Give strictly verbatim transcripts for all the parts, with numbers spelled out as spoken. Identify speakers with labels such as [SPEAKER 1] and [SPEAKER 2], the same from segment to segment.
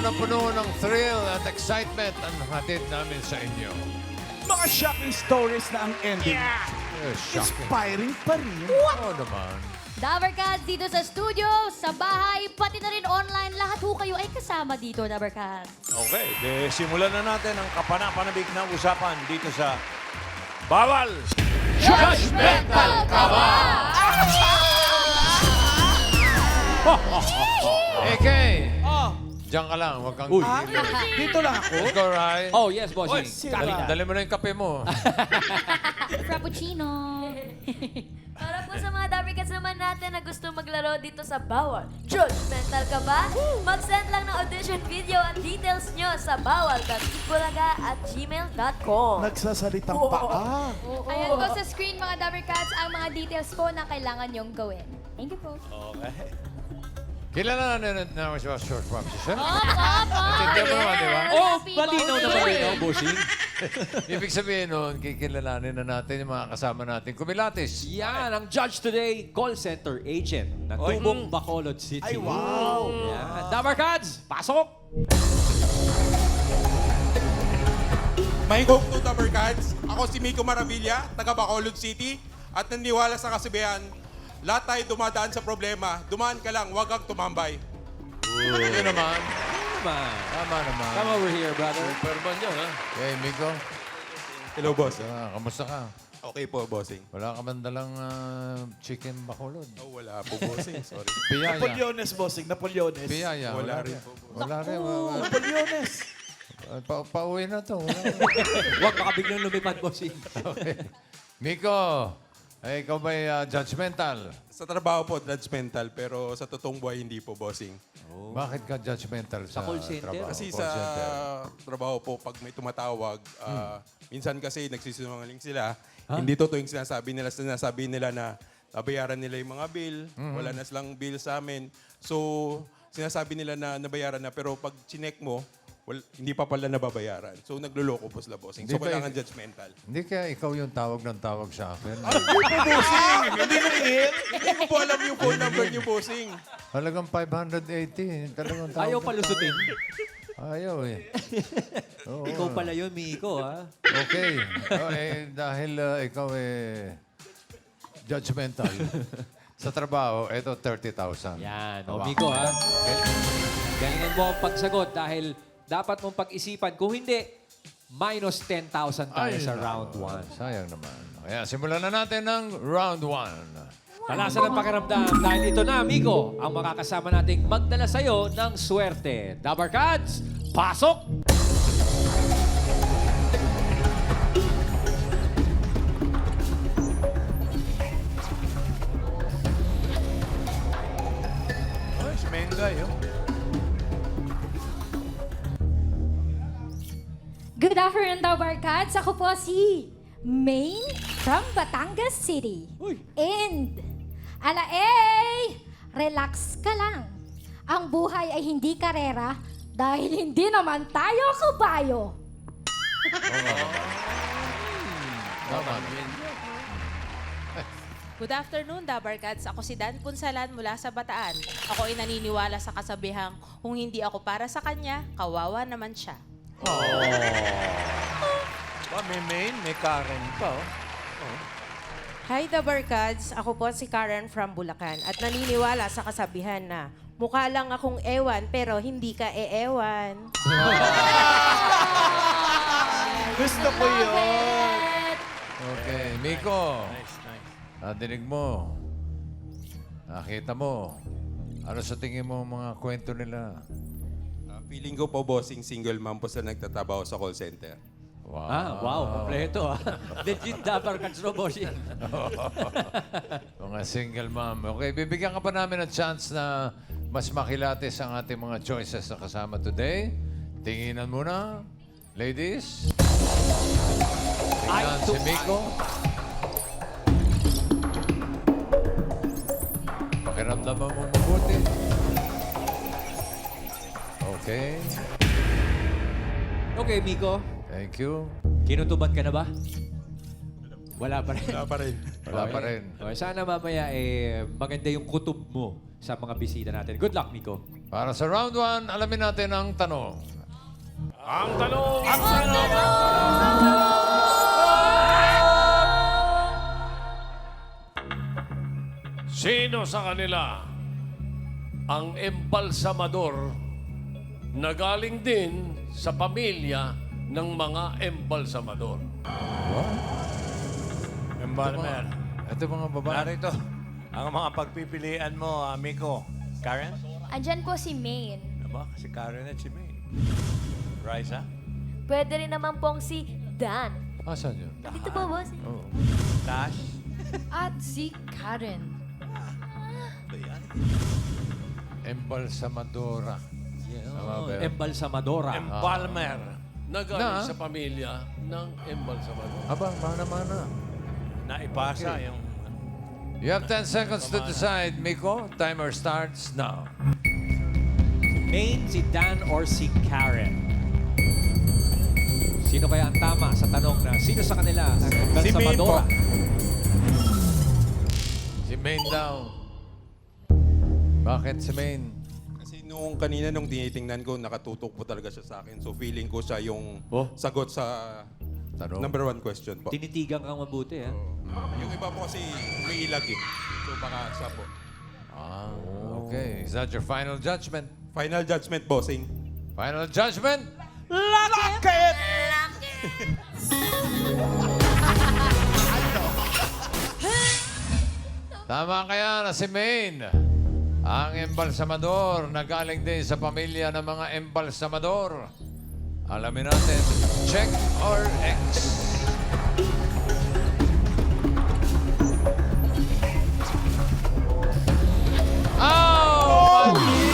[SPEAKER 1] na puno ng thrill at excitement ang hatid namin sa inyo.
[SPEAKER 2] Mga shocking stories na ang ending.
[SPEAKER 1] Eh, shocking.
[SPEAKER 2] Inspiring pa rin.
[SPEAKER 1] Oo naman.
[SPEAKER 3] Dabarcats dito sa studio, sa bahay, pati na rin online. Lahat ho kayo ay kasama dito, Dabarcats.
[SPEAKER 4] Okay, de, simulan na natin ang kapanapanabik na usapan dito sa Bawal!
[SPEAKER 3] Judgmental ka ba?
[SPEAKER 1] A K,
[SPEAKER 2] Oh,
[SPEAKER 1] diyan ka lang. Huwag kang
[SPEAKER 4] Uy.
[SPEAKER 2] ah,
[SPEAKER 1] gigil.
[SPEAKER 2] dito lang ako.
[SPEAKER 1] Let's go, Rai.
[SPEAKER 5] Oh, yes, bossing.
[SPEAKER 2] Sira.
[SPEAKER 1] Dali, dali mo na yung kape mo.
[SPEAKER 3] Frappuccino.
[SPEAKER 6] Para po sa mga Dabarcats naman natin na gusto maglaro dito sa Bawal. Judgmental ka ba? Mag-send lang ng audition video at details nyo sa bawal dot itbulaga at gmail dot com.
[SPEAKER 2] Nagsasalitang paa.
[SPEAKER 7] Ayan po sa screen mga Dabarcats ang mga details po na kailangan nyong gawin. Thank you po.
[SPEAKER 1] Kilala na na na siya short form siya.
[SPEAKER 3] Op, op, op.
[SPEAKER 1] Natindihan mo naman, di ba?
[SPEAKER 5] Oh, malinaw na malinaw, bossing.
[SPEAKER 1] Ibig sabihin nun, kikilalanin na natin yung mga kasama natin. Kumilatis.
[SPEAKER 5] Yan, ang judge today, call center agent ng Tubong, Bacolod City.
[SPEAKER 2] Ay, wow.
[SPEAKER 5] Yan. Dabarcats, pasok!
[SPEAKER 8] May hope to Dabarcats. Ako si Miko Maravilla, taga Bacolod City. At naniniwala sa kasabihan, lahat tayo dumadaan sa problema. Dumaan ka lang, huwag kang tumambay.
[SPEAKER 1] Yun naman.
[SPEAKER 5] Come on.
[SPEAKER 1] Tama naman.
[SPEAKER 5] Come over here, brother.
[SPEAKER 1] Superman yun, ha? Hey, Miko.
[SPEAKER 8] Hello, boss.
[SPEAKER 1] Ah, kamusta ka?
[SPEAKER 8] Okay po, bossing.
[SPEAKER 1] Wala ka man dalang ah, chicken bakulod.
[SPEAKER 8] Oh, wala po, bossing. Sorry.
[SPEAKER 1] Piyaya.
[SPEAKER 2] Napoleones, bossing. Napoleones.
[SPEAKER 1] Piyaya.
[SPEAKER 8] Wala rin
[SPEAKER 1] rin.
[SPEAKER 8] po, boss.
[SPEAKER 1] Wala rin. Wala.
[SPEAKER 2] Napoleones.
[SPEAKER 1] Pa pauwi na to. Wala.
[SPEAKER 5] Huwag baka biglang lumipad, bossing.
[SPEAKER 1] Okay. Miko, eh, ikaw ba'y ah, judgmental?
[SPEAKER 8] Sa trabaho po, judgmental. Pero sa totoong buhay, hindi po, bossing.
[SPEAKER 1] Bakit ka judgmental sa,
[SPEAKER 5] Sa call center?
[SPEAKER 1] trabaho?
[SPEAKER 8] Kasi
[SPEAKER 1] Call
[SPEAKER 8] sa
[SPEAKER 1] center.
[SPEAKER 8] trabaho po, pag may tumatawag, ah, minsan kasi nagsisinungaling sila. Hindi totoo yung sinasabi nila. Sinasabi nila na nabayaran nila yung mga bill. Wala na silang bill sa amin. So, sinasabi nila na nabayaran na. Pero pag chinek mo, wal- hindi pa pala nababayaran. So, nagluloko po sila, bossing.
[SPEAKER 1] Hindi
[SPEAKER 8] So,
[SPEAKER 1] ba-
[SPEAKER 8] kailangan judgmental.
[SPEAKER 1] Hindi kaya ikaw yung tawag ng tawag sa akin.
[SPEAKER 8] Hindi na Hindi ko po alam yung phone number niyo, bossing.
[SPEAKER 1] Halagang five hundred eighty. Talagang tawag
[SPEAKER 5] Ayaw
[SPEAKER 1] ng
[SPEAKER 5] palusutin.
[SPEAKER 1] tawag. Ayaw eh. Oo.
[SPEAKER 5] Ikaw pala yun, Miko, ha?
[SPEAKER 1] Okay. Oh, eh, dahil ah, ikaw eh judgmental. Sa trabaho, ito thirty thousand.
[SPEAKER 5] Yan. O, Miko, ha? Galingan mo ang pagsagot dahil dapat mong pag-isipan. Kung hindi, minus ten thousand tayo sa round one.
[SPEAKER 1] Sayang naman. Kaya simulan na natin ng round one.
[SPEAKER 5] Talasan ang pakiramdam dahil ito na, Miko, ang makakasama nating magdala sa'yo ng swerte. Dabarcats, pasok!
[SPEAKER 1] Oh, si Mengay, oh.
[SPEAKER 7] Good afternoon, Dabarcats. Ako po si Maine from Batangas City. And, ala eh, relax ka lang. Ang buhay ay hindi karera dahil hindi naman tayo kabayo.
[SPEAKER 1] Tama.
[SPEAKER 9] Good afternoon, Dabarcats. Ako si Dan Punsalan mula sa Bataan. Ako ay naniniwala sa kasabihang, kung hindi ako para sa kanya, kawawa naman siya.
[SPEAKER 4] Ba, may main, may Karen pa, oh.
[SPEAKER 10] Hi, Dabarcats. Ako po si Karen from Bulacan at naniniwala sa kasabihan na mukha lang akong ewan pero hindi ka e-ewan.
[SPEAKER 2] Gusto ko yun.
[SPEAKER 1] Okay, Miko. Nadinig mo. Nakita mo. Ano sa tingin mo ang mga kwento nila?
[SPEAKER 8] Ah, feeling ko po, bossing, single mom po sa nagtatrabaho sa call center.
[SPEAKER 1] Wow.
[SPEAKER 5] Ah, wow, kompleto, ha? Legit Dabarcats, no, bossing?
[SPEAKER 1] Mga single mom. Okay, bibigyan ka pa namin ng chance na mas makilatis ang ating mga choices na kasama today. Tinginan muna. Ladies. Tingnan si Miko. Pakiramdaman mo mabuti. Okay.
[SPEAKER 5] Okay, Miko.
[SPEAKER 1] Thank you.
[SPEAKER 5] Kinutuban ka na ba? Wala pa rin.
[SPEAKER 8] Wala pa rin.
[SPEAKER 1] Wala pa rin.
[SPEAKER 5] Okay, sana mamaya eh, maganda yung kutob mo sa mga bisita natin. Good luck, Miko.
[SPEAKER 1] Para sa round one, alamin natin ang tanong.
[SPEAKER 4] Ang tanong! Ang Sino sa kanila ang embalsamador na galing din sa pamilya ng mga embalsamador?
[SPEAKER 11] Embalmer.
[SPEAKER 1] Ito mga babae.
[SPEAKER 11] Narito, ang mga pagpipilian mo, amigo. Karen?
[SPEAKER 6] Andyan po si Maine.
[SPEAKER 11] Diba? Si Karen at si May. Raisa?
[SPEAKER 6] Pwede rin naman pong si Dan.
[SPEAKER 1] Asan yun?
[SPEAKER 6] Dito po, boss.
[SPEAKER 1] Oh.
[SPEAKER 11] Tash?
[SPEAKER 3] At si Karen.
[SPEAKER 11] Ba yan?
[SPEAKER 1] Embalsamadora. Tama ba yun?
[SPEAKER 5] Embalsamadora.
[SPEAKER 11] Embalmer.
[SPEAKER 4] Na galing
[SPEAKER 1] Na?
[SPEAKER 4] sa pamilya ng embalsamador.
[SPEAKER 1] Aba, mana-mana.
[SPEAKER 11] Naipasa
[SPEAKER 1] Okay.
[SPEAKER 11] yung...
[SPEAKER 1] You have ten seconds to decide, Miko. Timer starts now.
[SPEAKER 5] Maine, si Dan, or si Karen? Sino kaya ang tama sa tanong na sino sa kanila ang embalsamadora?
[SPEAKER 1] Si Maine daw. Bakit si Maine?
[SPEAKER 8] Kasi nung kanina nung tinitingnan ko, nakatutok po talaga siya sa akin. So feeling ko siya yung
[SPEAKER 1] Oh.
[SPEAKER 8] sagot sa
[SPEAKER 1] Tanong.
[SPEAKER 8] number one question po.
[SPEAKER 5] Tinitigan kang mabuti, ha?
[SPEAKER 8] Yung iba po kasi may ilag eh. So baka siya po.
[SPEAKER 1] Ah, okay. Is that your final judgment?
[SPEAKER 8] Final judgment, bossing.
[SPEAKER 1] Final judgment?
[SPEAKER 2] Lock it!
[SPEAKER 1] Tama kaya na si Maine. Ang embalsamador na galing din sa pamilya ng mga embalsamador. Alamin natin, check or X? Oh!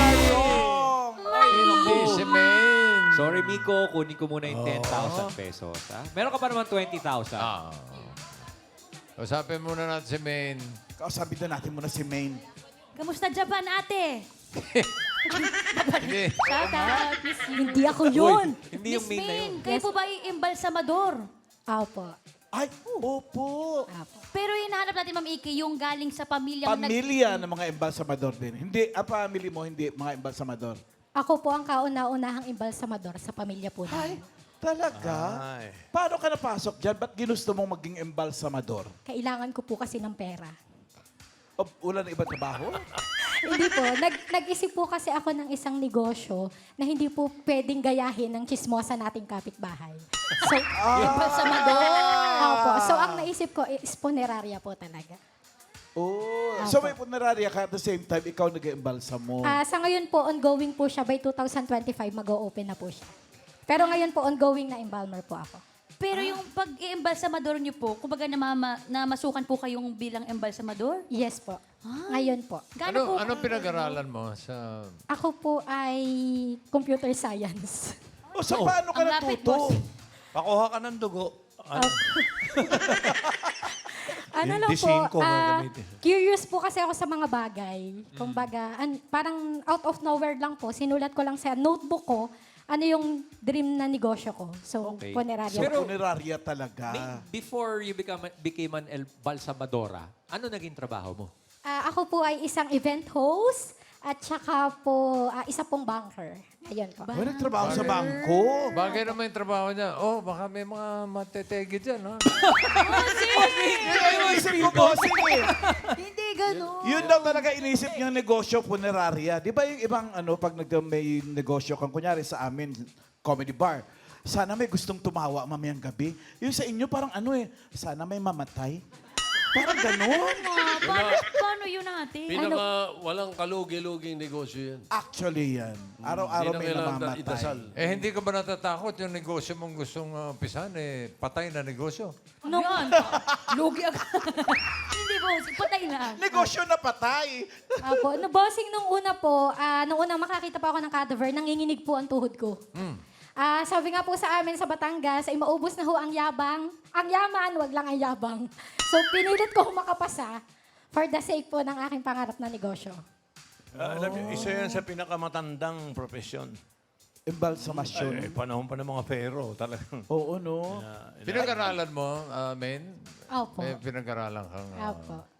[SPEAKER 1] Hindi si Maine.
[SPEAKER 5] Sorry, Miko. Kunin ko muna yung ten thousand pesos, ha? Meron ka pa naman twenty thousand.
[SPEAKER 1] Ah. Usapin muna natin si Maine.
[SPEAKER 2] Kausapin na natin muna si Maine.
[SPEAKER 3] Kamusta Japan, ate?
[SPEAKER 1] Hindi.
[SPEAKER 3] Shout out, Miss you.
[SPEAKER 7] Hindi ako yun.
[SPEAKER 5] Hindi yung
[SPEAKER 3] Miss
[SPEAKER 5] Maine na yun.
[SPEAKER 3] Maine, kayo po ba yung embalsamador?
[SPEAKER 7] Opo.
[SPEAKER 2] Ay, opo.
[SPEAKER 7] Opo.
[SPEAKER 3] Pero hinahanap natin, Ma'am Iki, yung galing sa pamilya
[SPEAKER 2] Pamilya ng mga embalsamador din. Hindi, ang family mo, hindi mga embalsamador.
[SPEAKER 7] Ako po ang kauna-unahang embalsamador sa pamilya po
[SPEAKER 2] Ay,
[SPEAKER 7] namin.
[SPEAKER 2] talaga?
[SPEAKER 11] Ay.
[SPEAKER 2] Paano ka napasok dyan? Ba't ginusto mong maging embalsamador?
[SPEAKER 7] Kailangan ko po kasi ng pera.
[SPEAKER 2] O, wala na ibang trabaho?
[SPEAKER 7] Hindi po. Nag, nag-isip po kasi ako ng isang negosyo na hindi po pwedeng gayahin ng chismosa nating kapitbahay. So,
[SPEAKER 3] embalsamador.
[SPEAKER 7] Opo. So, ang naisip ko is punerarya po talaga.
[SPEAKER 2] Oh, so may punerarya ka at the same time, ikaw nag-embalsa mo.
[SPEAKER 7] Ah, sa ngayon po, ongoing po siya. By two thousand twenty-five, mag-o-open na po siya. Pero ngayon po, ongoing na embalmer po ako.
[SPEAKER 3] Pero yung pag-embalsamador niyo po, kumbaga namama, namasukan po kayong bilang embalsamador?
[SPEAKER 7] Yes po. Ngayon po.
[SPEAKER 3] Gaano
[SPEAKER 1] Ano,
[SPEAKER 3] po?
[SPEAKER 1] anong pinag-aralan mo sa...
[SPEAKER 7] Ako po ay computer science.
[SPEAKER 2] O, so paano ka
[SPEAKER 3] Ang lapit,
[SPEAKER 2] natuto?
[SPEAKER 3] boss.
[SPEAKER 11] Pakuha ka ng dugo. Ano?
[SPEAKER 7] Ano
[SPEAKER 11] Yung
[SPEAKER 7] lang po,
[SPEAKER 11] disingko
[SPEAKER 7] ah,
[SPEAKER 11] gagamitin.
[SPEAKER 7] curious po kasi ako sa mga bagay. Kumbaga, an, parang out of nowhere lang po, sinulat ko lang sa notebook ko, ano yung dream na negosyo ko. So,
[SPEAKER 5] Okay.
[SPEAKER 7] punerarya.
[SPEAKER 2] So,
[SPEAKER 5] Pero-
[SPEAKER 2] punerarya talaga.
[SPEAKER 5] Maine, before you become, became an embalsamadora, ano naging trabaho mo?
[SPEAKER 7] Ah, ako po ay isang event host at saka po ah, isa pong banker. Ayun po.
[SPEAKER 2] Ay, nagtrabaho sa bangko.
[SPEAKER 1] Bagay naman yung trabaho niya. Oh, baka may mga matetegi dyan, ha?
[SPEAKER 2] Yun ang inisip ko, bossing eh.
[SPEAKER 3] Hindi ganun.
[SPEAKER 2] Yun daw talaga inisip niyang negosyo, punerarya. Di ba yung ibang ano, pag nag may negosyo kang, kunyari sa amin, comedy bar, sana may gustong tumawa mamayang gabi. Yung sa inyo parang ano eh, sana may mamatay. Parang ganun.
[SPEAKER 3] Ah, paano, paano yun ate?
[SPEAKER 4] Pinaka walang kalugi-luging negosyo yan.
[SPEAKER 2] Actually yan. Araw-araw
[SPEAKER 4] Hindi na
[SPEAKER 2] may
[SPEAKER 4] kailangan
[SPEAKER 2] namamatay.
[SPEAKER 4] idasal.
[SPEAKER 1] Eh, hindi ka ba natatakot yung negosyo mong gustong uh, umpisan, eh, patay na negosyo?
[SPEAKER 3] Ano yan? Lugi agad. Hindi po, patay lang.
[SPEAKER 2] Negosyo na patay.
[SPEAKER 7] Apo, no, bossing nung una po, ah, nung unang makakita pa ako ng cadaver, nanginginig po ang tuhod ko. Ah, sabi nga po sa amin sa Batangas, ay maubos na ho ang yabang. Ang yaman, wag lang ang yabang. So, pinilit ko makapasa for the sake po ng aking pangarap na negosyo.
[SPEAKER 11] Ah, alam niyo, isa yan sa pinakamatandang profesyon.
[SPEAKER 2] Embalsamasyon.
[SPEAKER 11] Ay, panahon pa ng mga pero, talagang.
[SPEAKER 2] Oo, no?
[SPEAKER 1] Pinag-aralan mo, uh, Maine?
[SPEAKER 7] Opo.
[SPEAKER 1] May pinag-aralan kang... uh,
[SPEAKER 7] Opo.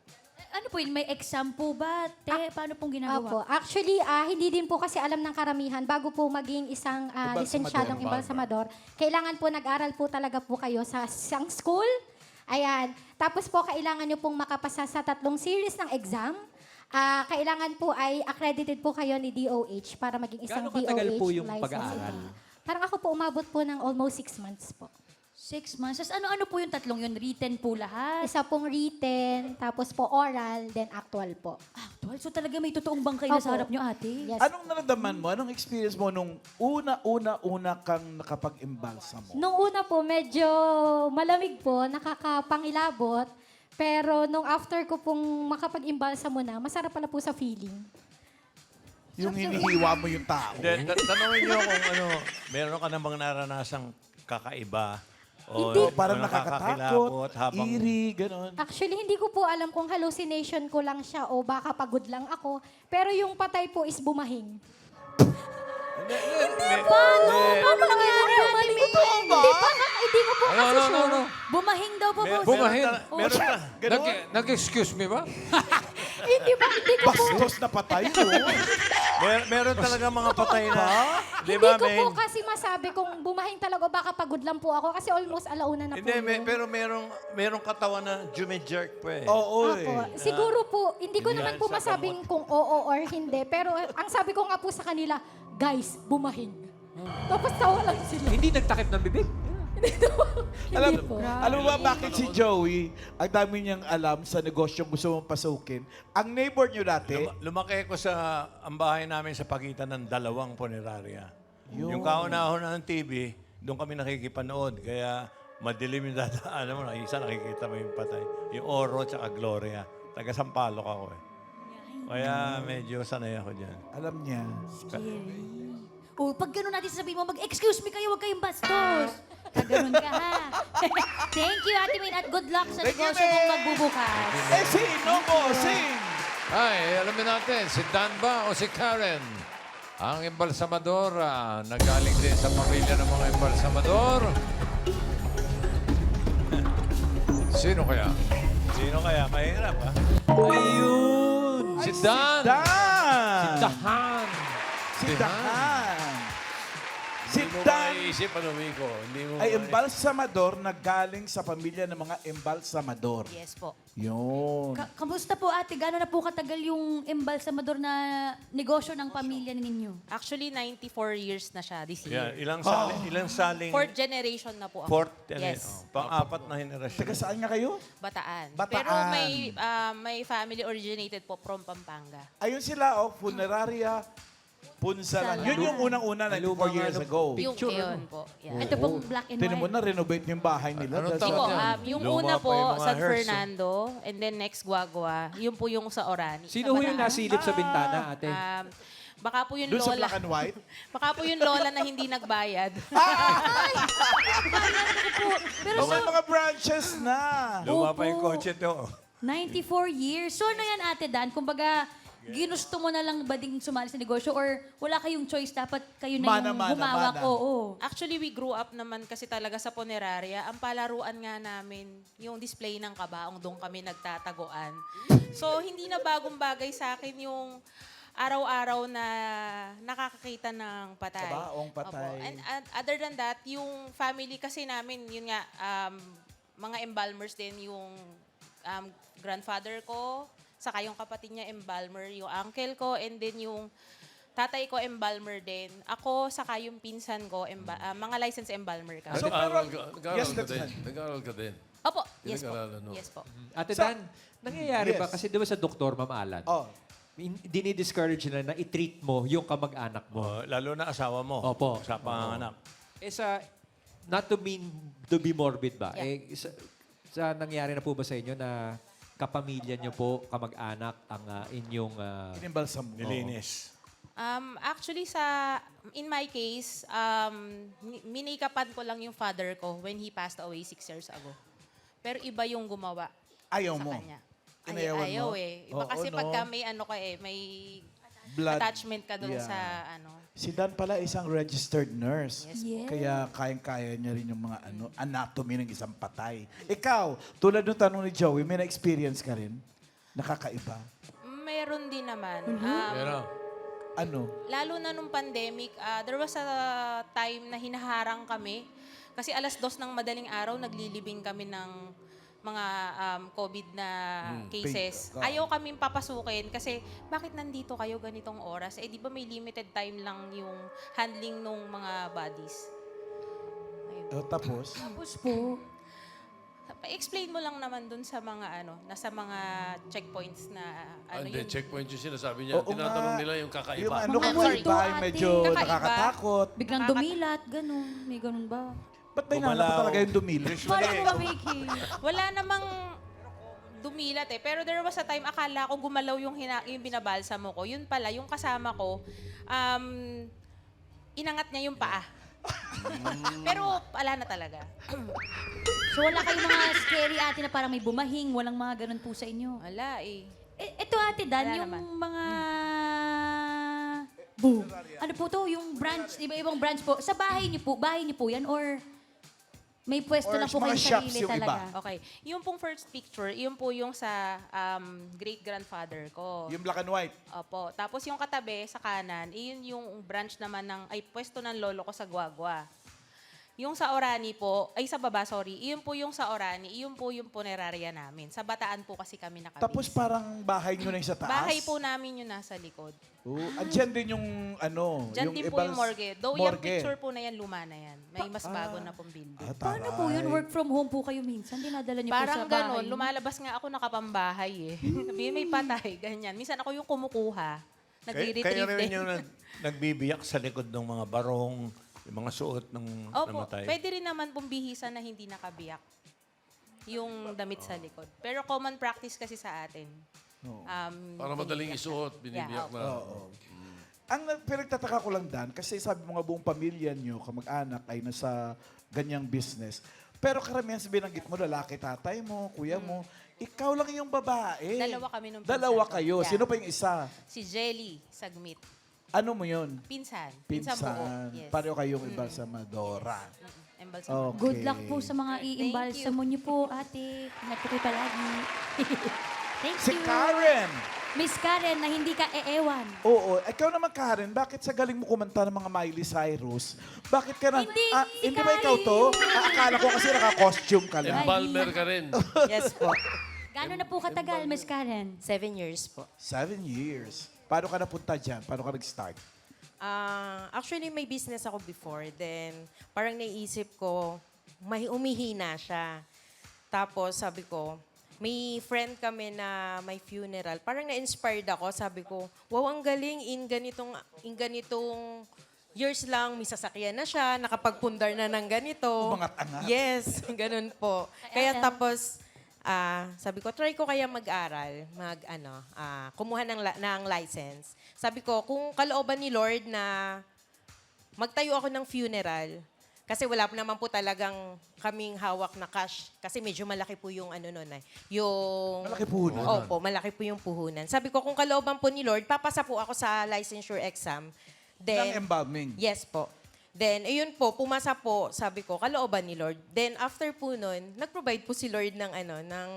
[SPEAKER 3] ano po yun, may exam po ba? Te, paano pong ginagawa?
[SPEAKER 7] Opo. Actually, ah, hindi din po kasi alam ng karamihan, bago po maging isang ah,
[SPEAKER 2] Embalsamador.
[SPEAKER 7] lisensyadong embalsamador, kailangan po nag-aral po talaga po kayo sa isang school. Ayan. Tapos po, kailangan nyo pong makapasa sa tatlong series ng exam. Ah, kailangan po ay accredited po kayo ni D O H para maging isang
[SPEAKER 5] Gaano
[SPEAKER 7] D O H
[SPEAKER 5] katagal po yung
[SPEAKER 7] license.
[SPEAKER 5] pag-aaral?
[SPEAKER 7] Parang ako po umabot po ng almost six months po.
[SPEAKER 3] Six months. Tapos ano-ano po yung tatlong yun? Written po lahat?
[SPEAKER 7] Isa pong written, tapos po oral, then actual po.
[SPEAKER 3] Actual, so talaga may totoong bangkay na
[SPEAKER 7] Opo.
[SPEAKER 3] sa harap nyo, ate?
[SPEAKER 7] Yes.
[SPEAKER 2] Anong naramdaman mo? Anong experience mo nung una-una-una kang nakapag-imbalsa mo?
[SPEAKER 7] Nung una po, medyo malamig po, nakakapangilabot. Pero nung after ko pong makapag-imbalsa mo na, masarap pala po sa feeling.
[SPEAKER 2] Yung hinihiwa mo yung tao.
[SPEAKER 11] Then, ta- tanongin niyo kung ano, meron ka namang naranasang kakaiba o
[SPEAKER 2] O parang
[SPEAKER 11] o
[SPEAKER 2] nakakatakot,
[SPEAKER 11] habang
[SPEAKER 2] eerie, gano'n.
[SPEAKER 7] Actually, hindi ko po alam kung hallucination ko lang siya o baka pagod lang ako. Pero yung patay po is bumahing.
[SPEAKER 3] Paano? Paano nangyari, ate?
[SPEAKER 7] Hindi pa, hindi ko po
[SPEAKER 1] Ano,
[SPEAKER 7] kasi
[SPEAKER 1] ano, ano,
[SPEAKER 7] sure.
[SPEAKER 1] ano?
[SPEAKER 3] Bumahing daw po po.
[SPEAKER 1] Bumahin.
[SPEAKER 11] meron ka.
[SPEAKER 1] Nag- Nag-excuse me ba?
[SPEAKER 7] Hindi ba, hindi ko po.
[SPEAKER 2] Bastos na patay mo.
[SPEAKER 11] Mer- meron talaga mga patay na. Di
[SPEAKER 7] Hindi
[SPEAKER 11] ba,
[SPEAKER 7] ko po
[SPEAKER 11] men?
[SPEAKER 7] kasi masabi kung bumahing talaga o baka pagod lang po ako kasi almost alauna na po.
[SPEAKER 11] Hindi, me-
[SPEAKER 7] yun.
[SPEAKER 11] pero merong merong katawan na jume-jerk po eh.
[SPEAKER 2] Oo
[SPEAKER 7] Opo.
[SPEAKER 2] eh.
[SPEAKER 7] Siguro po, hindi ko
[SPEAKER 11] Hindi
[SPEAKER 7] naman
[SPEAKER 11] yan
[SPEAKER 7] po
[SPEAKER 11] sa
[SPEAKER 7] masabing kung oo or hindi. Pero ang sabi ko nga po sa kanila, guys, bumahing. Tapos tawa lang sila.
[SPEAKER 5] Hindi nagtakip ng bibig.
[SPEAKER 2] Alam,
[SPEAKER 7] Hindi po.
[SPEAKER 2] alam mo ba bakit si Joey, ang dami niyang alam sa negosyong gusto mong pasukin? Ang neighbor niyo dati,
[SPEAKER 11] Luma- lumaki ko sa ang bahay namin sa pagitan ng dalawang punerarya.
[SPEAKER 2] Yun.
[SPEAKER 11] Yung kauna-una ng T V, doon kami nakikipanood. Kaya madilim yung dadaanan mo. Isa nakikita mo yung patay. Yung Oro at Gloria. Taga Sampaloc ako eh. Kaya medyo sanay ako dyan.
[SPEAKER 2] alam niya.
[SPEAKER 3] O, pag gano'n natin sasabihin mo, mag-excuse me kayo, huwag kayong bastos. Kaganon ka, ha? Thank you, Ate Min, at good luck sa
[SPEAKER 2] Thank you,
[SPEAKER 3] negosyo mong
[SPEAKER 2] Min.
[SPEAKER 3] magbubukas.
[SPEAKER 2] Eh, sino mo? Sing!
[SPEAKER 1] Ay, alamin natin, si Dan ba o si Karen? Ang embalsamador, ah, nagaling din sa pamilya ng mga embalsamador. Sino kaya?
[SPEAKER 11] Sino kaya? Mahirap ha?
[SPEAKER 5] Ayun!
[SPEAKER 1] Si Dan!
[SPEAKER 2] Dan!
[SPEAKER 5] Dahan!
[SPEAKER 2] Si Dan! Si
[SPEAKER 11] Hindi mo
[SPEAKER 2] Dan
[SPEAKER 11] maiisip ano, Miko? Hindi mo
[SPEAKER 2] ay
[SPEAKER 11] mai-
[SPEAKER 2] embalsamador na galing sa pamilya ng mga embalsamador.
[SPEAKER 9] Yes po.
[SPEAKER 2] Yun.
[SPEAKER 3] Ka- kamusta po, ate? Gano'n na po katagal yung embalsamador na negosyo ng pamilya ninyo?
[SPEAKER 9] Actually, ninety-four years na siya this
[SPEAKER 11] Yeah,
[SPEAKER 9] year.
[SPEAKER 11] ilang saling, ilang saling...
[SPEAKER 9] Fourth generation na po ako.
[SPEAKER 11] Fourth, ano,
[SPEAKER 9] Yes.
[SPEAKER 11] oh, pang-apat na henerasyon.
[SPEAKER 2] Taga saan nga kayo?
[SPEAKER 9] Bataan.
[SPEAKER 2] Bataan.
[SPEAKER 9] Pero may ah, may family originated po from Pampanga.
[SPEAKER 2] Ayun sila, oh, funeraria, punsalan. Yun yung unang-una, ninety-four
[SPEAKER 5] Lumang
[SPEAKER 2] years
[SPEAKER 5] ano,
[SPEAKER 2] ago.
[SPEAKER 9] Yung
[SPEAKER 5] Picture,
[SPEAKER 9] yun
[SPEAKER 5] ano?
[SPEAKER 9] po. Yeah.
[SPEAKER 3] Ito pong black and
[SPEAKER 2] Tinan mo
[SPEAKER 3] white.
[SPEAKER 2] na, renovate yung bahay nila.
[SPEAKER 1] Anong
[SPEAKER 2] That's
[SPEAKER 9] Hindi
[SPEAKER 1] taon
[SPEAKER 9] po,
[SPEAKER 1] yan?
[SPEAKER 9] um, yung
[SPEAKER 11] Luma
[SPEAKER 9] una
[SPEAKER 11] pa
[SPEAKER 9] po,
[SPEAKER 11] yung mga
[SPEAKER 9] San
[SPEAKER 11] hearse,
[SPEAKER 9] Fernando, and then next Guagua. Yun po yung sa Orani.
[SPEAKER 5] Sino
[SPEAKER 9] sa
[SPEAKER 5] ho yung
[SPEAKER 9] Bataan.
[SPEAKER 5] nasilip sa bintana, ate?
[SPEAKER 9] Um, baka po yung
[SPEAKER 2] Doon sa
[SPEAKER 9] lola.
[SPEAKER 2] black and white?
[SPEAKER 9] Baka po yung lola na hindi nagbayad.
[SPEAKER 3] Pero
[SPEAKER 2] So,
[SPEAKER 3] so,
[SPEAKER 2] may mga branches na.
[SPEAKER 11] Luma pa yung
[SPEAKER 3] Opo.
[SPEAKER 11] kotse to.
[SPEAKER 3] ninety-four years. So ano yan, Ate Dan? Kumbaga, ginusto mo na lang ba ding sumali sa negosyo or wala kayong choice? Dapat kayo na
[SPEAKER 2] Mana,
[SPEAKER 3] yung
[SPEAKER 2] mana,
[SPEAKER 3] humawak?
[SPEAKER 2] mana.
[SPEAKER 3] Oo.
[SPEAKER 9] Actually, we grew up naman kasi talaga sa Poneraria. Ang palaruan nga namin, yung display ng kabaong, doon kami nagtataguan. So, hindi na bagong bagay sa akin yung araw-araw na nakakakita ng patay.
[SPEAKER 2] Kabaong patay.
[SPEAKER 9] Opo. And, and other than that, yung family kasi namin, yun nga, um, mga embalmers din yung um, grandfather ko, saka yung kapatid niya embalmer, yung uncle ko, and then yung tatay ko embalmer din. Ako, saka yung pinsan ko, emba- ah, mga licensed embalmer ka.
[SPEAKER 2] So,
[SPEAKER 1] Nag-aaral
[SPEAKER 2] pero-
[SPEAKER 1] ka, nag-aaral
[SPEAKER 2] Yes,
[SPEAKER 1] ka
[SPEAKER 2] that's
[SPEAKER 1] din.
[SPEAKER 2] fine.
[SPEAKER 1] Nag-aaral ka din.
[SPEAKER 9] Opo, yes po.
[SPEAKER 1] Pinag-aralan, no?
[SPEAKER 9] Yes po.
[SPEAKER 5] Ate
[SPEAKER 2] Sa-
[SPEAKER 5] Dan, nangyayari ba?
[SPEAKER 2] Yes.
[SPEAKER 5] Kasi di ba sa doktor, Ma'am Alan,
[SPEAKER 2] Oh.
[SPEAKER 5] in- dinidiscourage na na i-treat mo yung kamag-anak mo.
[SPEAKER 11] Oh, lalo na asawa mo.
[SPEAKER 5] Opo.
[SPEAKER 11] Sa panganak.
[SPEAKER 5] Eh sa, not to mean to be morbid ba?
[SPEAKER 9] Yeah.
[SPEAKER 5] Eh, sa, sa nangyari na po ba sa inyo na kapamilya nyo po, kamag-anak, ang ah, inyong... ah,
[SPEAKER 2] Inimbalsam mo.
[SPEAKER 11] Nilinis.
[SPEAKER 9] Um, actually, sa in my case, um, ni- minikapan ko lang yung father ko when he passed away six years ago. Pero iba yung gumawa
[SPEAKER 2] Ayaw
[SPEAKER 9] sa
[SPEAKER 2] mo.
[SPEAKER 9] kanya. Ay,
[SPEAKER 2] Inayawan
[SPEAKER 9] ayaw
[SPEAKER 2] mo?
[SPEAKER 9] eh. Iba
[SPEAKER 2] Oo,
[SPEAKER 9] kasi
[SPEAKER 2] no?
[SPEAKER 9] pagka may ano ka eh, may
[SPEAKER 2] Blood.
[SPEAKER 9] attachment ka dun
[SPEAKER 2] Yeah.
[SPEAKER 9] sa ano.
[SPEAKER 2] Si Dan pala isang registered nurse.
[SPEAKER 9] Yes
[SPEAKER 3] po. Yeah.
[SPEAKER 2] Kaya kayang-kaya niya rin yung mga ano anatomy ng isang patay. Ikaw, tulad ng tanong ni Joey, may na-experience ka rin? nakakaiba?
[SPEAKER 9] Meron din naman.
[SPEAKER 3] Mhm.
[SPEAKER 9] Um,
[SPEAKER 1] Pero,
[SPEAKER 2] Ano?
[SPEAKER 9] Lalo na nung pandemic, ah, there was a time na hinaharang kami. Kasi alas dos ng madaling araw, naglilibing kami ng mga um, COVID na cases.
[SPEAKER 2] Pay-
[SPEAKER 9] Ayaw kaming papasukin kasi bakit nandito kayo ganitong oras? Eh di ba may limited time lang yung handling ng mga bodies? Ayun.
[SPEAKER 2] Oh, tapos?
[SPEAKER 3] Tapos po,
[SPEAKER 9] Pa-explain mo lang naman dun sa mga ano, nasa mga checkpoints na
[SPEAKER 4] Ah,
[SPEAKER 9] ano
[SPEAKER 4] Hindi,
[SPEAKER 9] yung
[SPEAKER 4] checkpoint yung sinasabi niya.
[SPEAKER 2] Oo
[SPEAKER 4] Tinatanong
[SPEAKER 2] nga.
[SPEAKER 4] nila yung kakaiba.
[SPEAKER 2] Yung ano
[SPEAKER 3] Mga
[SPEAKER 2] kakaiba,
[SPEAKER 3] multo,
[SPEAKER 2] ay
[SPEAKER 3] ate.
[SPEAKER 2] medyo
[SPEAKER 9] Kakaiba.
[SPEAKER 2] nakakatakot.
[SPEAKER 3] biglang
[SPEAKER 9] Nakaka-
[SPEAKER 3] dumilat, ganun. May ganun ba?
[SPEAKER 2] Ba't may nanap
[SPEAKER 11] Gumalaw.
[SPEAKER 2] talaga yung dumili?
[SPEAKER 3] Parang ba, Vicky?
[SPEAKER 9] wala namang dumilat eh. Pero there was a time, akala ko gumalaw yung, hina, yung binabalsa mo ko. Yun pala, yung kasama ko, um, inangat niya yung paa. Pero wala na talaga.
[SPEAKER 3] So wala kayong mga scary ate na parang may bumahing, walang mga ganun po sa inyo.
[SPEAKER 9] Wala eh.
[SPEAKER 3] Eh, ito ate Dan,
[SPEAKER 9] Wala
[SPEAKER 3] yung
[SPEAKER 9] naman.
[SPEAKER 3] mga... Boom. Ano po to? Yung branch, iba-ibang branch po. Sa bahay niyo po, bahay niyo po yan or may pwesto
[SPEAKER 2] Or
[SPEAKER 3] lang po
[SPEAKER 2] mga
[SPEAKER 3] kayong
[SPEAKER 2] shops
[SPEAKER 3] sarili
[SPEAKER 2] yung iba?
[SPEAKER 3] talaga?
[SPEAKER 9] Okay. Yung pong first picture, yung po yung sa um, great-grandfather ko.
[SPEAKER 2] Yung black and white.
[SPEAKER 9] Opo. Tapos yung katabi sa kanan, iyon yung branch naman ng, ay pwesto ng lolo ko sa Guagua. Yung sa Orani po, ay sa baba, sorry, iyon po yung sa Orani, iyon po yung punerarya namin. Sa Bataan po kasi kami nakabase.
[SPEAKER 2] Tapos parang bahay nyo na yung sa taas?
[SPEAKER 9] Bahay po namin yung nasa likod.
[SPEAKER 2] Oh, andyan din yung ano,
[SPEAKER 9] Diyan din po
[SPEAKER 2] ibang-
[SPEAKER 9] yung morgue. Though yung
[SPEAKER 2] morgue.
[SPEAKER 9] picture po na yan, luma na yan. May mas bago na pong building.
[SPEAKER 2] Ah,
[SPEAKER 3] Paano po yun?
[SPEAKER 2] taray.
[SPEAKER 3] Work from home po kayo minsan? Dinadala niyo po
[SPEAKER 9] Parang
[SPEAKER 3] sa bahay?
[SPEAKER 9] ganon, lumalabas nga ako nakapambahay eh. Sabi, may patay, ganyan. Minsan ako yung kumukuha.
[SPEAKER 11] Kay,
[SPEAKER 9] Nagre-retrieve
[SPEAKER 11] kayo rin
[SPEAKER 9] din.
[SPEAKER 11] yung nag, nagbibiyak sa likod ng mga barong, yung mga suot ng
[SPEAKER 9] Opo,
[SPEAKER 11] namatay.
[SPEAKER 9] pwede rin naman pong bihisan na hindi nakabiyak. Yung damit sa likod. Pero common practice kasi sa atin. Um,
[SPEAKER 4] Para madaling
[SPEAKER 9] binibiyak
[SPEAKER 4] isuot,
[SPEAKER 9] na.
[SPEAKER 4] binibiyak
[SPEAKER 9] Yeah,
[SPEAKER 4] na.
[SPEAKER 2] Oo. Ang nag- pinagtataka ko lang, Dan, kasi sabi mo nga buong pamilya nyo, kamag-anak, ay nasa ganyang business. Pero karamihan sa binanggit mo, lalaki, tatay mo, kuya mo, ikaw lang yung babae.
[SPEAKER 9] Dalawa kami nung
[SPEAKER 2] Dalawa
[SPEAKER 9] pinsan ko.
[SPEAKER 2] kayo.
[SPEAKER 9] Yeah.
[SPEAKER 2] Sino pa yung isa?
[SPEAKER 9] Si Jelly Sagmit.
[SPEAKER 2] Ano mo yun?
[SPEAKER 9] Pinsan.
[SPEAKER 2] Pinsan.
[SPEAKER 9] buo. Yes.
[SPEAKER 2] Pareho kayong embalsamadora.
[SPEAKER 9] Embalsamado.
[SPEAKER 2] Okay.
[SPEAKER 3] Good luck po sa mga iimbalsamo niyo po, ate. Ingat po kayo palagi. Thank
[SPEAKER 2] Si
[SPEAKER 3] you.
[SPEAKER 2] Karen!
[SPEAKER 3] Miss Karen, na hindi ka eewan.
[SPEAKER 2] Oo, ikaw naman Karen, bakit sa galing mo kumanta ng mga Miley Cyrus? Bakit ka na...
[SPEAKER 3] Hindi,
[SPEAKER 2] ah,
[SPEAKER 3] si
[SPEAKER 2] hindi ba ikaw to? Ah, akala ko kasi naka-costume ka lang.
[SPEAKER 4] Embalmer ka rin.
[SPEAKER 10] Yes po.
[SPEAKER 3] Gano'n na po katagal, Miss Karen?
[SPEAKER 10] Seven years po.
[SPEAKER 2] Seven years. Paano ka napunta dyan? Paano ka nag-start?
[SPEAKER 10] Ah, actually, may business ako before. Then, parang naisip ko, may umihina siya. Tapos, sabi ko, may friend kami na may funeral. Parang na-inspired ako. Sabi ko, wow, ang galing. In ganitong, in ganitong years lang, may sasakyan na siya, nakapagpundar na ng ganito.
[SPEAKER 2] Umangat-angat.
[SPEAKER 10] Yes, ganun po. Kaya tapos, ah, sabi ko, try ko kaya mag-aral, mag, ano, ah, kumuha ng, la- ng license. Sabi ko, kung kalooban ni Lord na magtayo ako ng funeral, kasi wala po naman po talagang kaming hawak na cash. Kasi medyo malaki po yung ano nun eh. Yung...
[SPEAKER 2] Malaki puhunan.
[SPEAKER 10] Opo, malaki po yung puhunan. Sabi ko, kung kalooban po ni Lord, papasa po ako sa licensure exam. Then,
[SPEAKER 2] Ng embalming.
[SPEAKER 10] Yes po. Then, ayun po, pumasa po, sabi ko, kalooban ni Lord. Then, after po nun, nag-provide po si Lord ng ano, ng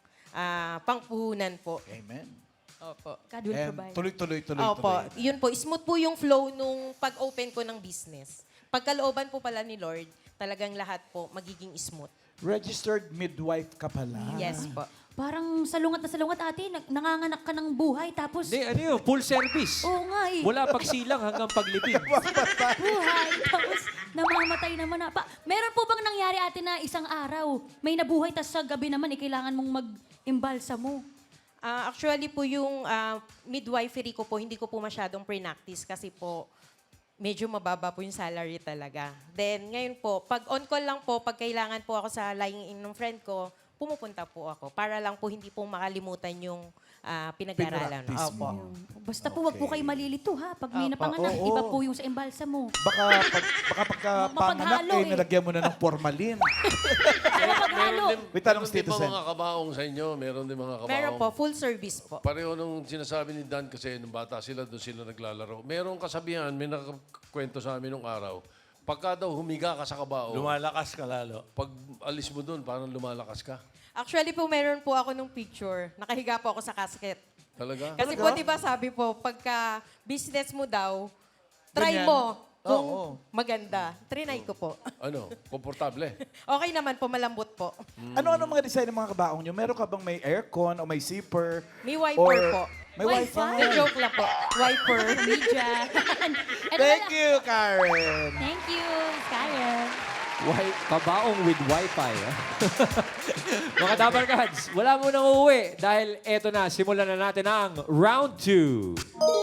[SPEAKER 10] ah, pangpuhunan po.
[SPEAKER 2] Amen.
[SPEAKER 10] Opo.
[SPEAKER 3] God will
[SPEAKER 2] And
[SPEAKER 3] provide.
[SPEAKER 2] tuloy-tuloy, tuloy-tuloy.
[SPEAKER 10] Opo, yun po, smooth po yung flow nung pag-open ko ng business. Pagkalooban po pala ni Lord, talagang lahat po magiging smooth.
[SPEAKER 2] Registered midwife ka pala.
[SPEAKER 10] Yes po.
[SPEAKER 3] Parang salungat na salungat, ate. Nag- nanganganak ka ng buhay, tapos
[SPEAKER 5] Hindi, ano yun, full service.
[SPEAKER 3] Oo nga eh.
[SPEAKER 5] Wala pagsilang hanggang paglibing.
[SPEAKER 3] buhay, tapos namamatay naman na. Pa, meron po bang nangyari, ate, na isang araw, may nabuhay, tapos sa gabi naman, eh, kailangan mong mag-imbalsa mo?
[SPEAKER 10] Ah, actually po yung ah, midwifery ko po, hindi ko po masyadong pre-practice kasi po medyo mababa po yung salary talaga. Then ngayon po, pag on call lang po, pag kailangan po ako sa lying in ng friend ko, pumupunta po ako para lang po hindi po makalimutan yung ah, pinag-aaralan.
[SPEAKER 2] Pinractice
[SPEAKER 10] Opo.
[SPEAKER 2] mo.
[SPEAKER 3] Basta po, wag po kayo malilito, ha? Pag may
[SPEAKER 10] Opo.
[SPEAKER 3] napanganak,
[SPEAKER 2] Oo.
[SPEAKER 3] iba po yung sa imbalsa mo.
[SPEAKER 2] Baka, pag, baka pagka
[SPEAKER 3] Ma-
[SPEAKER 2] panganak,
[SPEAKER 3] mapaghalo
[SPEAKER 2] eh,
[SPEAKER 3] eh.
[SPEAKER 2] nalagyan mo na ng formalin.
[SPEAKER 3] Kaya paghalo.
[SPEAKER 2] May tanong,
[SPEAKER 4] Meron din
[SPEAKER 2] Tito
[SPEAKER 4] ba
[SPEAKER 2] Sen.
[SPEAKER 4] mga kabaong sa inyo? Meron din mga kabaong?
[SPEAKER 10] Meron po, full service po.
[SPEAKER 4] Pareho nung sinasabi ni Dan kasi nung bata sila, doon sila naglalaro. Merong kasabihan, may nakakwento sa amin nung araw. Pagka daw humiga ka sa kabaong,
[SPEAKER 11] Lumalakas ka lalo.
[SPEAKER 4] pag alis mo doon, parang lumalakas ka.
[SPEAKER 10] Actually po, meron po ako nung picture. Nakahiga po ako sa casket.
[SPEAKER 4] Talaga?
[SPEAKER 10] Kasi po, di ba sabi po, pagka business mo daw, try
[SPEAKER 2] Ganyan.
[SPEAKER 10] mo kung
[SPEAKER 2] Oo.
[SPEAKER 10] maganda. Trinay ko po.
[SPEAKER 4] Ano? Komportable.
[SPEAKER 10] Okay naman po, malambot po.
[SPEAKER 2] Ano-ano mga design ng mga kabaong nyo? Meron ka bang may aircon o may zipper?
[SPEAKER 10] May wiper
[SPEAKER 2] Or-
[SPEAKER 10] po.
[SPEAKER 2] May wifi.
[SPEAKER 10] The joke lang po. Wiper.
[SPEAKER 3] Media.
[SPEAKER 2] Thank you, Karen.
[SPEAKER 3] Thank you, Karen.
[SPEAKER 5] Wi- kabaong with wifi. ah. Mga Dabarkads, wala mo nang uuwi dahil eto na, simulan na natin ang round two.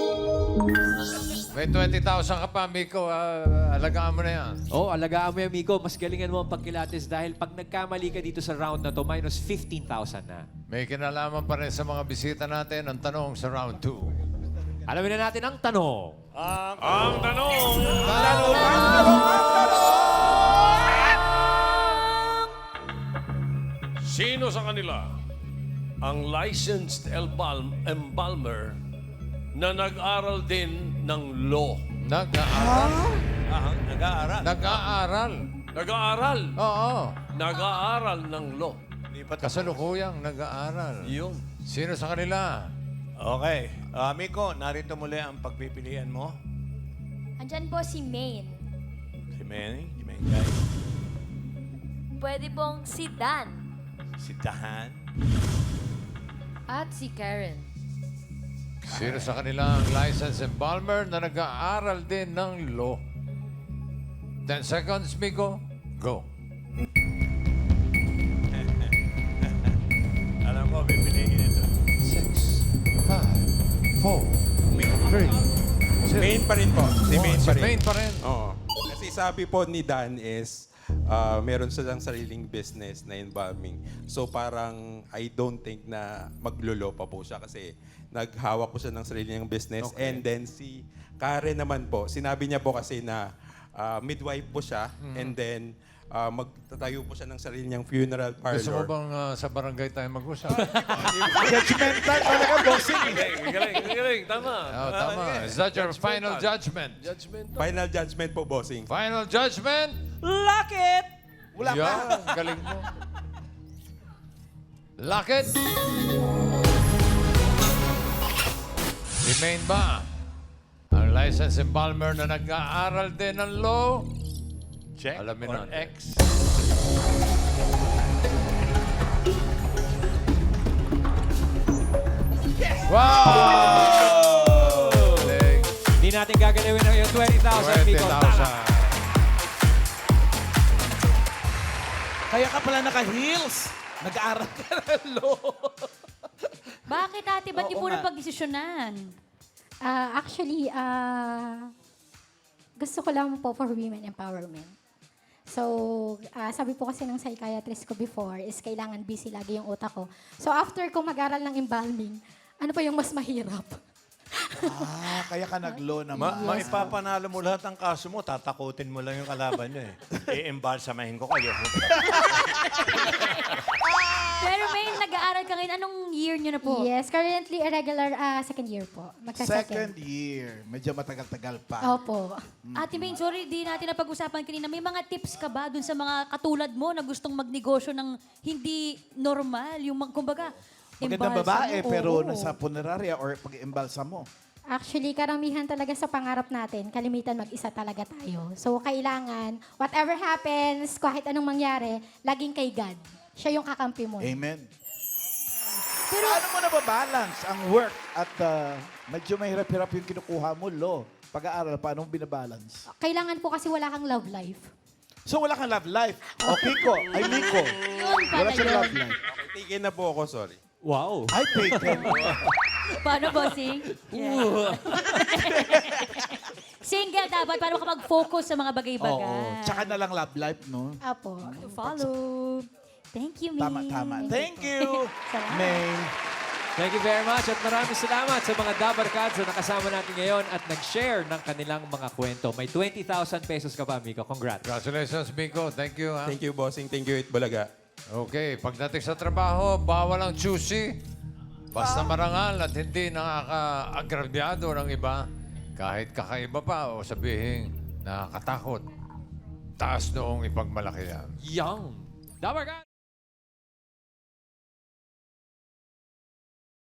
[SPEAKER 1] May twenty thousand ka pa, Miko. Ah, alagaan mo na yan.
[SPEAKER 5] Oh, alagaan mo yan, Miko. Mas galingan mo ang pagkilates dahil pag nagkamali ka dito sa round na to, minus fifteen thousand na.
[SPEAKER 1] May kinalaman pa rin sa mga bisita natin ang tanong sa round two.
[SPEAKER 5] Alamin na natin ang tanong.
[SPEAKER 4] Sino sa kanila ang licensed embalm embalmer na nag-aral din ng law?
[SPEAKER 1] Nag-aaral.
[SPEAKER 11] Ah, nag-aaral.
[SPEAKER 1] Nag-aaral.
[SPEAKER 4] Nag-aaral.
[SPEAKER 1] Oo.
[SPEAKER 4] Nag-aaral ng law.
[SPEAKER 11] Hindi pa tapos.
[SPEAKER 1] Kasalukuyang nag-aaral.
[SPEAKER 4] Yun.
[SPEAKER 1] Sino sa kanila?
[SPEAKER 11] Okay. Uh, Miko, narito muli ang pagpipilian mo.
[SPEAKER 6] Andyan po si Maine.
[SPEAKER 11] Si Manny, si Mengay,
[SPEAKER 6] Pwede pong si Dan.
[SPEAKER 11] si Tahan.
[SPEAKER 7] At si Karen.
[SPEAKER 1] Sino sa kanila ang licensed embalmer na nag-aaral din ng law? ten seconds, Miko. Go.
[SPEAKER 11] Alam ko, pipiliin ito.
[SPEAKER 1] Six, five, four, three, two,
[SPEAKER 8] Main pa rin po. Si
[SPEAKER 1] one.
[SPEAKER 8] main
[SPEAKER 1] Si
[SPEAKER 8] pa rin.
[SPEAKER 1] main pa rin.
[SPEAKER 8] Oo. Kasi sabi po ni Dan is, ah, meron silang sariling business na embalming. So parang I don't think na maglolo pa po siya kasi naghawak po siya ng sarili niyang business. And then si Karen naman po, sinabi niya po kasi na ah, midwife po siya and then ah, magtatayo po siya ng sarili niyang funeral parlor.
[SPEAKER 1] Gusto mo bang ah, sa barangay tayo mag-usap?
[SPEAKER 2] Judgmental talaga, bossing.
[SPEAKER 4] Galing, galing, galing. Tama.
[SPEAKER 1] Oh, tama. Is that your final judgment?
[SPEAKER 4] Judgment.
[SPEAKER 8] Final judgment po, bossing.
[SPEAKER 1] Final judgment?
[SPEAKER 10] Lock it!
[SPEAKER 2] Wala pa.
[SPEAKER 1] Yan, galing mo. Lock it. Si Maine ba? Ang licensed embalmer na nag-aaral din ng law?
[SPEAKER 11] Check
[SPEAKER 1] Alamin
[SPEAKER 11] or
[SPEAKER 1] natin.
[SPEAKER 11] X.
[SPEAKER 1] Wow! Galing.
[SPEAKER 5] Hindi natin gagalawin ang yung twenty thousand, Miko.
[SPEAKER 1] twenty
[SPEAKER 5] Tama.
[SPEAKER 1] thousand.
[SPEAKER 2] Kaya ka pala naka-heels. Nag-aaral ka ng law.
[SPEAKER 3] Bakit ate? Ba't
[SPEAKER 2] Oo
[SPEAKER 3] niyo po
[SPEAKER 2] nga.
[SPEAKER 3] napag-desisyonan?
[SPEAKER 7] Ah, actually, ah, gusto ko lang po for women empowerment. So, ah, sabi po kasi ng psychiatrist ko before is kailangan busy lagi yung utak ko. So, after ko mag-aral ng embalming, ano pa yung mas mahirap?
[SPEAKER 2] Ah, kaya ka nag-law naman.
[SPEAKER 11] Ma maipapanalo mo lahat ng kaso mo, tatakutin mo lang yung kalaban nyo eh. I-embalsamahin ko kayo.
[SPEAKER 3] Pero may nag-aaral ka ngayon. Anong year niyo na po?
[SPEAKER 7] Yes, currently irregular ah, second year po.
[SPEAKER 2] Second
[SPEAKER 7] Magka-second.
[SPEAKER 2] year. Medyo matagal-tagal pa.
[SPEAKER 7] Opo.
[SPEAKER 3] Ate Maine, sorry, di natin napag-usapan kanina. May mga tips ka ba dun sa mga katulad mo na gustong magnegosyo ng hindi normal? Yung, mag- kumbaga,
[SPEAKER 2] Magandang
[SPEAKER 3] embalsamo?
[SPEAKER 2] babae, pero
[SPEAKER 3] Oo.
[SPEAKER 2] nasa funeraria or pag-embalsa mo.
[SPEAKER 7] Actually, karamihan talaga sa pangarap natin, kalimitan mag-isa talaga tayo. So, kailangan, whatever happens, kahit anong mangyari, laging kay God. Siya yung kakampi mo.
[SPEAKER 2] Amen. Pero ano mo na balance ang work at uh, medyo mahirap-hirap yung kinukuha mo, law. Pag-aaral, paano mo binabalance?
[SPEAKER 7] Kailangan po kasi wala kang love life.
[SPEAKER 2] So wala kang love life. O Kiko, ay Nico.
[SPEAKER 3] Yun pala
[SPEAKER 2] Wala siyang
[SPEAKER 3] yun.
[SPEAKER 2] love life.
[SPEAKER 8] Okay, tigil na po ako, sorry.
[SPEAKER 5] Wow.
[SPEAKER 2] Ay, taken.
[SPEAKER 3] Paano, bossing? Single dapat para makapag-focus sa mga bagay-bagay.
[SPEAKER 2] Oo. Tsaka na lang love life, no?
[SPEAKER 7] Apo.
[SPEAKER 3] To follow. Thank you, Maine.
[SPEAKER 2] Tama, tama. Thank you,
[SPEAKER 3] Salamat.
[SPEAKER 2] May.
[SPEAKER 5] Thank you very much at maraming salamat sa mga Dabarkads na nakasama natin ngayon at nag-share ng kanilang mga kwento. May twenty thousand pesos ka pa, Miko. Congrats.
[SPEAKER 1] Congratulations, Miko. Thank you. Ha?
[SPEAKER 8] Thank you, bossing. Thank you, Itbulaga.
[SPEAKER 1] Okay, pagdating sa trabaho, bawal ang choosy. Basta marangal at hindi nakaka-agrabyado ng iba. Kahit kakaiba pa o sabihin nakakatakot. Taas noong ipagmalaki yan.
[SPEAKER 5] Young. Dabarkads!